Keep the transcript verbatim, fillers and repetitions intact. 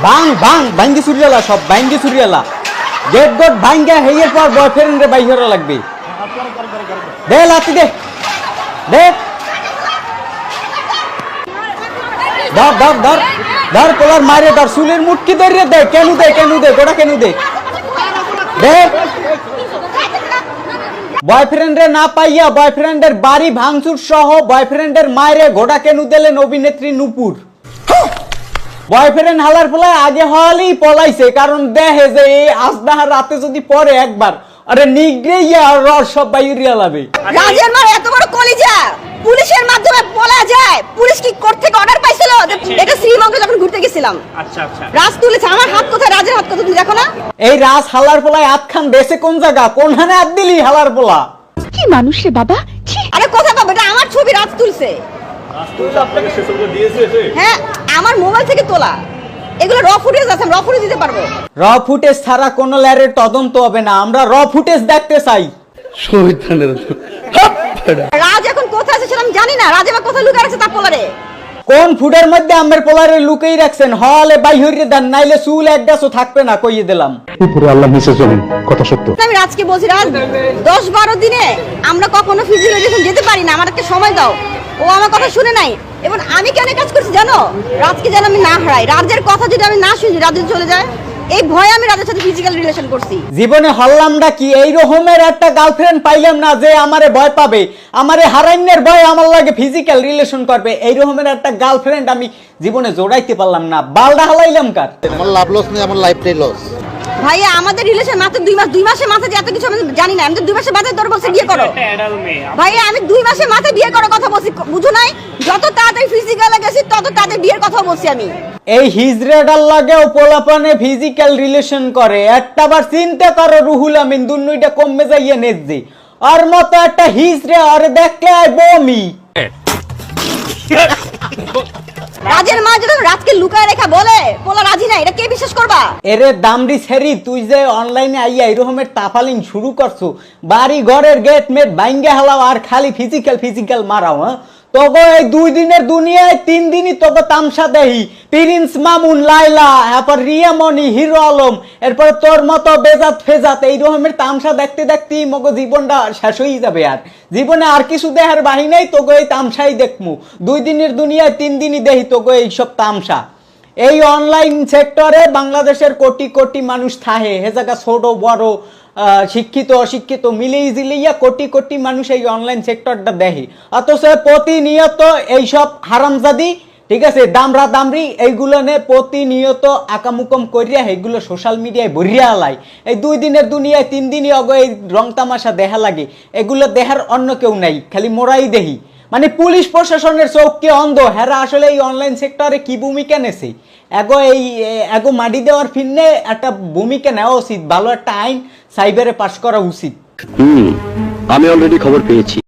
ভাঙ ভাঙ ভাঙ্গি চুরিয়ালা সব ভাঙ্গি চুরিয়ালা গেট গট ভাঙ্গা হেয়ের পর বয়ফ্রেন্ড রে বাইরে লাগবে দে লাতি দে দে ধর ধর ধর ধর পোলার মারে ধর চুলের মুটকি ধরে দে কেন দে কেন দে গোটা কেন দে দে বয়ফ্রেন্ডে না পাইয়া বয়ফ্রেন্ডের বাড়ি ভাঙচুর সহ বয়ফ্রেন্ডের মায়েরে ঘোড়া কেন দিলেন অভিনেত্রী নূপুর বয়ফ্রেন্ড হালার ফলায় আগে হলেই পলাইছে কারণ দেখে যে এই আসদাহার রাতে যদি পরে একবার আরে নিগড়ে আর রস সব বাইরিয়া লাবে রাজের মার এত বড় কলিজা পুলিশের মাধ্যমে বলা যায় পুলিশ কি কোর্ট থেকে অর্ডার পাইছিল এটা শ্রীমঙ্গে যখন ঘুরতে গেছিলাম আচ্ছা আচ্ছা রাজ তুলেছে আমার হাত কোথায় রাজের হাত কোথায় তুমি দেখো না এই রাজ হালার ফলায় আত খান বেসে কোন জায়গা কোন হানে আত দিলি হালার ফলা কি মানুষ রে বাবা আরে কোথায় পাবো এটা আমার ছবি রাজ তুলছে রাজ তুলছে আপনাকে সে ছবিটা দিয়েছে এসে হ্যাঁ আমার মোবাইল থেকে তোলা এগুলো র ফুটেজ আছে র ফুটেজ দিতে পারবো র ফুটেজ ছাড়া কোনো ল্যারের তদন্ত হবে না আমরা র ফুটেজ দেখতে চাই রাজ এখন কোথায় আছে সেটা আমি জানি না রাজ এবার কোথায় লুকিয়ে আছে তা পোলারে কোন ফুডের মধ্যে আমের পোলারে লুকিয়ে রাখছেন হলে বাইহরিয়ে দেন নাইলে চুল এক গাছও থাকবে না কইয়ে দিলাম উপরে আল্লাহ নিচে জমিন কথা সত্য আমি রাজকে বলছি রাজ দশ বারো দিনে আমরা কখনো ফিজিওলজিস্ট যেতে পারি না আমার একটা সময় দাও ও আমার কথা শুনে নাই এবং আমি কেন কাজ করছি জানো রাজকে যেন আমি না হারাই রাজের কথা যদি আমি না শুনি রাজ যদি চলে যায় এই ভয়ে আমি রাজের সাথে ফিজিক্যাল রিলেশন করছি জীবনে হল্লামটা কি এই রকমের একটা গার্লফ্রেন্ড পাইলাম না যে আমারে ভয় পাবে আমারে হারাইনের ভয় আমার লাগে ফিজিক্যাল রিলেশন করবে এই রকমের একটা গার্লফ্রেন্ড আমি জীবনে জোড়াইতে পারলাম না বালডা হালাইলাম কার আমার লাভ লস নেই আমার লাইফটাই লস ভাইয়া আমাদের রিলেশন মাত্র দুই মাস দুই মাসের মাথায় যে এত কিছু আমি জানি না আমি তো দুই মাসের মাথায় তোর বলছে বিয়ে করো ভাইয়া আমি দুই মাসের মাথায় বিয়ে করার কথা বলছি বুঝো নাই যত তাড়াতাড়ি ফিজিক্যালে গেছি তত তাড়াতাড়ি বিয়ের কথা বলছি আমি এই হিজরেডার লাগেও পোলাপানে ফিজিক্যাল রিলেশন করে একটা বার চিন্তা করো রুহুল আমিন দুনুইটা কমে যাইয়ে নেজি আর মতো একটা হিজরে আরে দেখলে আই বমি রাজের মা যদি রাজকে লুকায় রেখা বলে পোলা রাজি না এটা কে বিশ্বাস করবা এরে দামড়ি ছেড়ি তুই যে অনলাইনে আইয়া এরকমের তাফালিং শুরু করছো বাড়ি ঘরের গেট মেট বাইঙ্গে হালাও আর খালি ফিজিক্যাল ফিজিক্যাল মারাও হ্যাঁ তোগো এই দুই দিনের দুনিয়ায় তিন দিনই তোগো তামসা দেহি প্রিন্স মামুন লাইলা এরপর রিয়ামণি হিরো আলম এরপর তোর মতো বেজাত ফেজাত এই রকমের তামসা দেখতে দেখতে মগো জীবনটা শেষ হয়ে যাবে আর জীবনে আর কিছু দেহার বাহি নাই তোগো এই তামসাই দেখমু দুই দিনের দুনিয়ায় তিন দিনই দেহি তোগো এইসব তামসা এই অনলাইন সেক্টরে বাংলাদেশের কোটি কোটি মানুষ থাহে হে জায়গা ছোট বড় শিক্ষিত অশিক্ষিত মিলিয়ে জিলিয়া কোটি কোটি মানুষ এই অনলাইন সেক্টরটা দেখে অথচ প্রতিনিয়ত এইসব হারামজাদি ঠিক আছে দামরা দামরি এইগুলো নে প্রতিনিয়ত আকামুকম করিয়া এইগুলো সোশ্যাল মিডিয়ায় ভরিয়া লাই এই দুই দিনের দুনিয়ায় তিন দিনই অগ এই রং তামাশা দেখা লাগে এগুলো দেখার অন্য কেউ নাই খালি মোরাই দেহি মানে পুলিশ প্রশাসনের চোখকে অন্ধ হেরা আসলে এই অনলাইন সেক্টরে কি ভূমিকা নেছে এগো এই এগো মাটি দেওয়ার ফিরনে একটা ভূমিকা নেওয়া উচিত ভালো একটা আইন সাইবারে পাশ করা উচিত হুম আমি অলরেডি খবর পেয়েছি